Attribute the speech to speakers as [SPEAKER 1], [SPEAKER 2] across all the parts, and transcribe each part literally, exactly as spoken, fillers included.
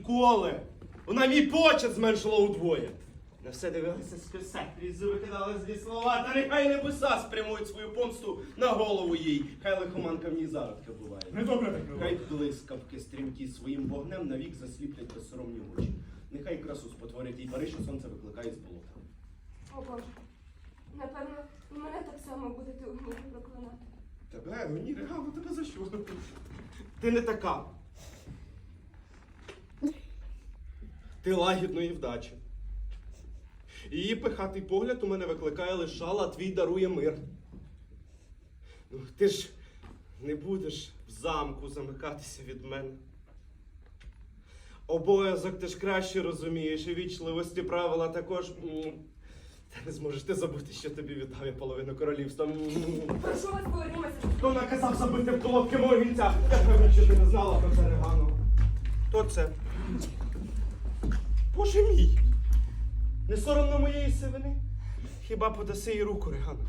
[SPEAKER 1] відколи? Вона мій почет зменшила удвоє. На все дивилися з писателі, викидали злі слова, та нехай небеса спрямують свою помсту на голову їй. Хай лихоманка в ній зародка буває.
[SPEAKER 2] Недобре так не
[SPEAKER 1] Хай блискавки стрімкі своїм вогнем навік засліплять безсоромні очі. Нехай красу спотворять їй пари, що сонце викликає з болота.
[SPEAKER 3] О Боже, напевно, і мене так само будете у гніві проклинати.
[SPEAKER 1] Тебе? Ні, Регано, тебе за що? Ти не така. Ти лагідної вдачі. Її пихатий погляд у мене викликає лише шал, а твій дарує мир. Ну, ти ж не будеш в замку замикатися від мене. Обов'язок ти ж краще розумієш, і вічливості правила також. М, Та не зможеш ти забути, що тобі віддав я половину королівства. М.
[SPEAKER 3] Прошу вас, повернімося.
[SPEAKER 1] Хто наказав забити в колодки мого гінця? Я певно, що ти не знала про це, Регано. Хто це? Боже мій! Не соромно моєї сивини? Хіба подаси їй руку, Регано?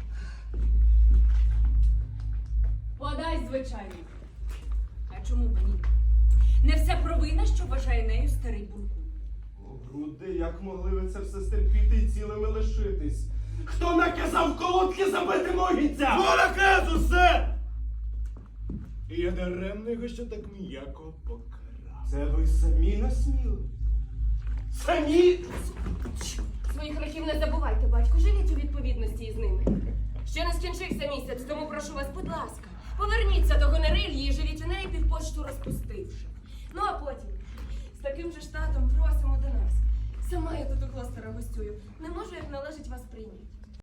[SPEAKER 4] Подай, звичайно. А чому б ні? Не все провина, що вважає нею старий буркун.
[SPEAKER 1] О, груди, як могли ви це все стерпіти і цілими лишитись? Хто наказав в колодки забити мого гінця?
[SPEAKER 2] По наказу, сер! І я даремно його ще так м'яко покарав.
[SPEAKER 1] Це ви самі насміли? Самі?
[SPEAKER 3] Своїх грехів не забувайте, батько, живіть у відповідності із ними. Ще не скінчився місяць, тому прошу вас, будь ласка, поверніться до Гонорильї і живіть у неї півпочту розпустивши. Ну а потім, з таким же штатом просимо до нас. Сама я тут у клостера гостюю, не можу, як належить вас прийняти.